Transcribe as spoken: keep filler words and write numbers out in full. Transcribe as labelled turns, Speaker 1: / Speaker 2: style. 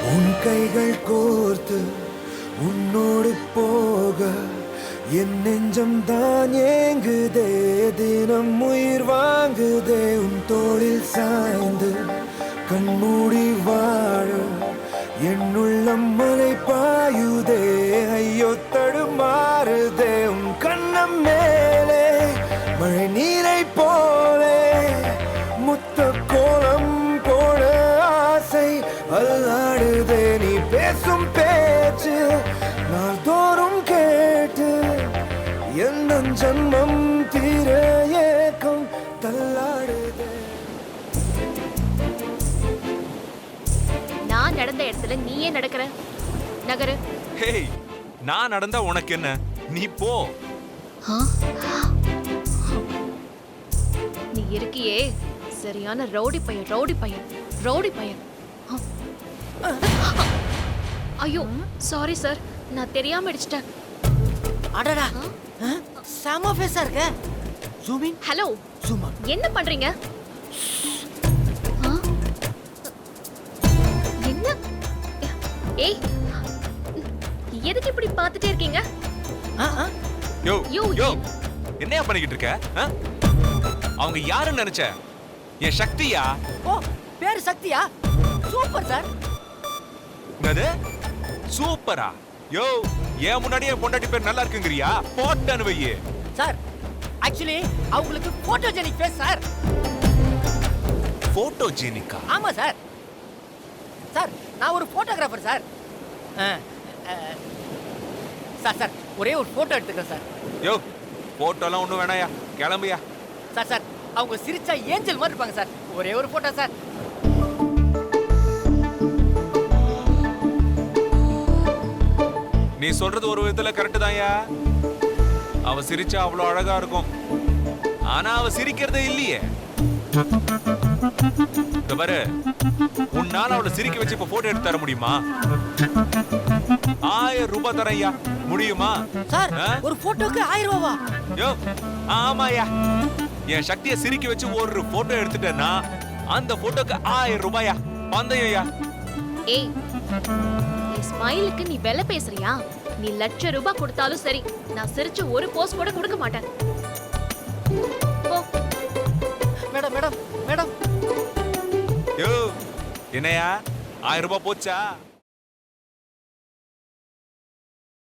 Speaker 1: உன் கைகள் கோர்த்து உன்னோடு போக என் நெஞ்சம் தான் ஏங்குதே, தினம் உயிர் வாங்குதே. உன் தோளில் சாய்ந்து கண்மூடி வாழ என் உள்ளம் மலை பாயுதே, ஐயோ தடுமாறுதே. உன் கண்ணம் மேலே மழை நீரை போலே முத்த கோலம் போட ஆசை அல்லாடுதே. நீ பேசும் பேச்சு நாள்தோறும் கேட்டு எந்த ஜன்மம் தீர ஏக்கம் தள்ளாடுதே.
Speaker 2: நான் நடந்த இடத்துல நீயே நடக்கிற நகரு.
Speaker 3: ஹேய், நான் நடந்தா உனக்கு என்ன? நீ போ.
Speaker 2: நீ இருக்கியே சரியான ரவுடி பையன், ரவுடி பையன், ரவுடி பையன். ஐயோ சாரி சார், நான் தெரியாம அடிச்சிட்டேன்.
Speaker 4: அடடா, செம ஃபேஸா இருக்க. Zoom in.
Speaker 2: Hello,
Speaker 4: zoom out.
Speaker 2: என்ன பண்றீங்க? ஆ? என்ன? ஏய், எதுக்கு இப்படி பார்த்துட்டே இருக்கீங்க?
Speaker 4: ஆ ஆ
Speaker 3: யோ
Speaker 2: யோ,
Speaker 3: யோ என்னையா பண்ணிக்கிட்டு இருக்க? ஆ? அவங்க யாருன்னு நினைச்ச? என் சக்தியா?
Speaker 4: ஓ, பேர் சக்தியா? Super sir.
Speaker 3: என்னது சூப்பரா? யோ, ஏன் முன்னாடியே பொண்டாட்டி பேர் நல்லா இருக்குங்கறியா? போட்டனு வையே.
Speaker 4: சார், ஆக்சுவலி அவங்களுக்கு போட்டோஜெனிக் ஃபேஸ் சார்.
Speaker 3: போட்டோஜெனிக்கா?
Speaker 4: ஆமா சார். சார், நான் ஒரு போட்டோகிராஃபர் சார். ஆ, ஆ, சார் சார் ஒரே ஒரு போட்டோ எடுத்துக்கிறேன் சார்.
Speaker 3: யோ, போட்டோலாம் ஒண்ணும் வேணாயா, கிளம்பியா.
Speaker 4: சார் சார் அவங்க சிரிச்சா ஏஞ்சல் மாதிரி இருப்பாங்க சார். ஒரே ஒரு போட்டோ சார்.
Speaker 3: நீ சொல்றது ஒரு விதத்துல கரெக்ட் தான்யா. அவ சிரிச்சா அவ்வளவு அழகா இருக்கும், ஆனா அவ சிரிக்கிறதே இல்லையே. இந்த பாரு, உன்னால அவளை சிரிக்க வச்சு இப்ப போட்டோ எடுத்து தர முடியுமா? ஆயிரம் ரூபாய் தரையா, முடியுமா?
Speaker 4: சார், ஒரு போட்டோக்கு ஆயிரம் ரூபாவா?
Speaker 3: யோ, ஆமாயா. என் சக்தியை சிரிக்க வச்சு ஒரு போட்டோ எடுத்துட்டேன்னா அந்த போட்டோக்கு ஆயிரம் ரூபாயா, பந்தயம்யா.
Speaker 2: ஏய், நீ ஸ்மைலுக்கு நீ வெலை பேசுறியா? நீ லட்ச ரூபாய் கொடுத்தாலும் சரி, நான் சிரிச்சு ஒரு போஸ்ட் கூட கொடுக்க மாட்டேன். போ.
Speaker 4: Madam madam madam.
Speaker 3: யோ, என்னையா ஆயிரம் ரூபாய் போச்சா?